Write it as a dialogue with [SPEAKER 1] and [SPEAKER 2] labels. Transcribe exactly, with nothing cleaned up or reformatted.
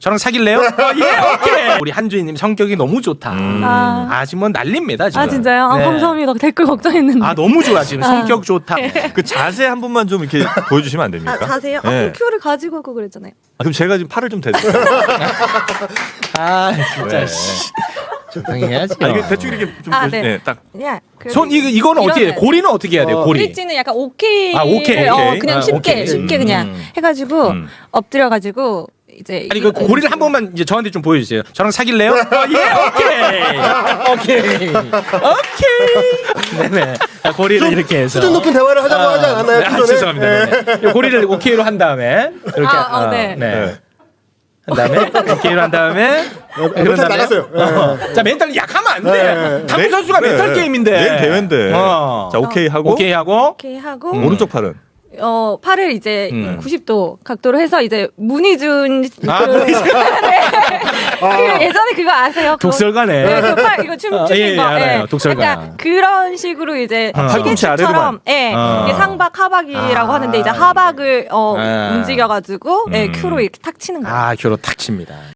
[SPEAKER 1] 저랑 사귈래요? 어, 예, 오케이. 우리 한주희님 성격이 너무 좋다.
[SPEAKER 2] 음.
[SPEAKER 1] 아,
[SPEAKER 2] 아.
[SPEAKER 1] 지금 뭐 난립니다 지금.
[SPEAKER 2] 아 진짜요? 아,
[SPEAKER 1] 네.
[SPEAKER 2] 감사합니다. 댓글 걱정했는데.
[SPEAKER 1] 아 너무 좋아 지금 성격 좋다.
[SPEAKER 3] 그 자세 한 번만 좀 이렇게 보여주시면 안 됩니까?
[SPEAKER 2] 아, 자세요?
[SPEAKER 3] 네.
[SPEAKER 2] 아, 큐를 가지고 오고 그랬잖아요.
[SPEAKER 3] 아, 그럼 제가 지금 팔을 좀 대드릴게요.
[SPEAKER 1] 아 진짜.
[SPEAKER 3] 네.
[SPEAKER 1] 씨. 적당히 해야지.
[SPEAKER 3] 아, 이게 대충 이렇게 좀
[SPEAKER 2] 아,
[SPEAKER 3] 보시-
[SPEAKER 2] 네.
[SPEAKER 3] 네, 딱
[SPEAKER 2] 그냥 그래도
[SPEAKER 1] 손 이거 이거는 어떻게 해?
[SPEAKER 2] 이러면-
[SPEAKER 1] 고리는 어떻게 해야 돼요?
[SPEAKER 3] 어,
[SPEAKER 1] 고리.
[SPEAKER 2] 브릿지는 약간 오케이.
[SPEAKER 1] 아, 오케이,
[SPEAKER 2] 어,
[SPEAKER 3] 오케이.
[SPEAKER 2] 그냥
[SPEAKER 1] 아,
[SPEAKER 2] 쉽게
[SPEAKER 1] 오케이.
[SPEAKER 2] 쉽게
[SPEAKER 1] 음.
[SPEAKER 2] 그냥 해가지고
[SPEAKER 3] 음.
[SPEAKER 2] 엎드려가지고 이제
[SPEAKER 1] 아니 그 고리를 한 번만 이제 저한테 좀 보여주세요. 저랑 사귈래요? 어, 예, 오케이, 오케이, 오케이. 네네. 자, 고리를 이렇게 해서.
[SPEAKER 4] 수준 높은 대화를 하자고 하지 않았나요?
[SPEAKER 1] 네, 아,
[SPEAKER 4] 그 전에?
[SPEAKER 1] 죄송합니다. 네. 네. 고리를 오케이로 한 다음에 이렇게
[SPEAKER 2] 아, 어, 네.
[SPEAKER 1] 네. 한 다음에 오케이로 한 다음에
[SPEAKER 4] 멘탈 나갔어요.
[SPEAKER 1] 어. 자 멘탈 약하면 안 돼.
[SPEAKER 4] 네.
[SPEAKER 1] 당구 선수가
[SPEAKER 3] 네.
[SPEAKER 1] 멘탈 게임인데.
[SPEAKER 3] 내일 대회인데.
[SPEAKER 1] 어.
[SPEAKER 3] 자, 오케이 하고
[SPEAKER 1] 오케이 하고
[SPEAKER 2] 오케이 하고
[SPEAKER 3] 오른쪽 팔은
[SPEAKER 2] 어 팔을 이제
[SPEAKER 1] 음.
[SPEAKER 2] 구십 도 각도로 해서 이제 문희준
[SPEAKER 1] 아,
[SPEAKER 2] 그,
[SPEAKER 1] 문희준.
[SPEAKER 2] 네. 그 예전에 그거 아세요? 그거-
[SPEAKER 1] 독설가네.
[SPEAKER 2] 네, 그 팔, 이거 춤
[SPEAKER 1] 어,
[SPEAKER 2] 추는
[SPEAKER 1] 예, 예,
[SPEAKER 2] 거.
[SPEAKER 1] 알아요.
[SPEAKER 2] 예.
[SPEAKER 1] 독설가.
[SPEAKER 2] 약간 그런 식으로 이제
[SPEAKER 1] 어.
[SPEAKER 3] 팔꿈치
[SPEAKER 2] 스케치처럼,
[SPEAKER 3] 아래로만.
[SPEAKER 2] 예,
[SPEAKER 1] 어.
[SPEAKER 2] 이게 상박 하박이라고
[SPEAKER 1] 아.
[SPEAKER 2] 하는데 이제 하박을 어,
[SPEAKER 1] 아.
[SPEAKER 2] 움직여가지고 예,
[SPEAKER 3] 음.
[SPEAKER 2] 큐로 이렇게 탁 치는 거예요.
[SPEAKER 1] 아, 교로 탁 칩니다.